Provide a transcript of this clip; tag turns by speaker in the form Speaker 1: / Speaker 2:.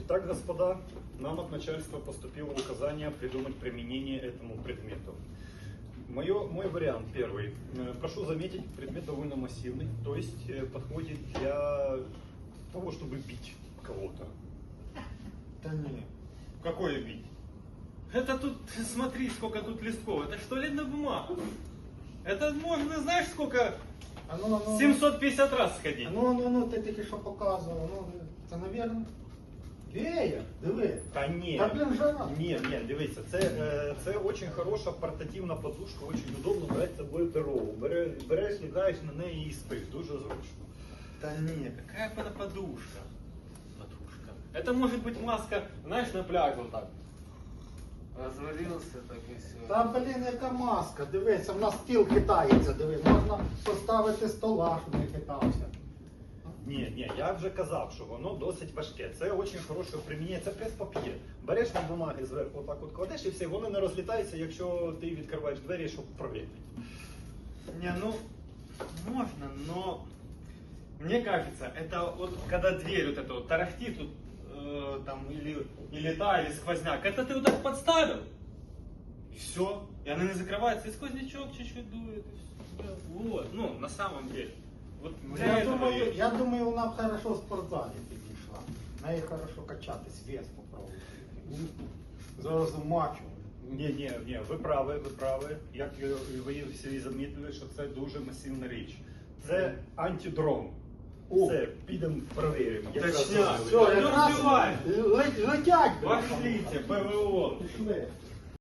Speaker 1: Итак, господа, нам от начальства поступило указание придумать применение этому предмету. Мой вариант первый. Прошу заметить, предмет довольно массивный, то есть подходит для того, чтобы бить кого-то.
Speaker 2: Да не.
Speaker 3: Какое бить? Это тут, смотри, сколько тут листков. Это что, туалетная бумага? Это можно, знаешь, сколько? 750 раз сходить.
Speaker 2: Ти тільки що показував. Це, навірно, веєр, диви.
Speaker 1: Та ні.
Speaker 2: Та, блін, жара.
Speaker 1: Ні, дивіться, це дуже хороша портативна подушка, дуже удобно брати з собою дорогу. Береш, лягаєш на неї і спиш, дуже зручно.
Speaker 3: Да не, какая это подушка? Подушка. Это может быть маска, знаешь, на пляж вот так. Развалился так и все.
Speaker 2: Та, блін, яка маска, дивися, в нас стіл хитається, диви. Можна поставити стола, щоб не хитався.
Speaker 1: Ні, я вже казав, що воно досить важке. Це дуже хороше примінення, це прес-пап'є. Береш на бумаги зверху, отак от кладеш і все, воно не розлітається, якщо ти відкриваєш двері, щоб провірити.
Speaker 3: Не, ну, можно, но мне кажется, это вот когда дверь вот эта вот тарахтит тут, там, или сквозняк, это ты вот так подставил, и все, и она не закрывается, и сквознячок чуть-чуть дует, и все. Вот, ну, на самом деле. Вот
Speaker 2: Я думаю, вона б хорошо в спортзалі підійшла. В неї хорошо качатись, вес попробувати. Зараз мачу.
Speaker 1: Ні, ви праві. Як ви всі замітили, що це дуже масивна річ. Це антидрон. Все, підемо перевіримо.
Speaker 3: Точняк.
Speaker 2: Все, якраз
Speaker 3: Розбивай.
Speaker 2: летять.
Speaker 3: Пошлите, ПВО.
Speaker 2: Пішли.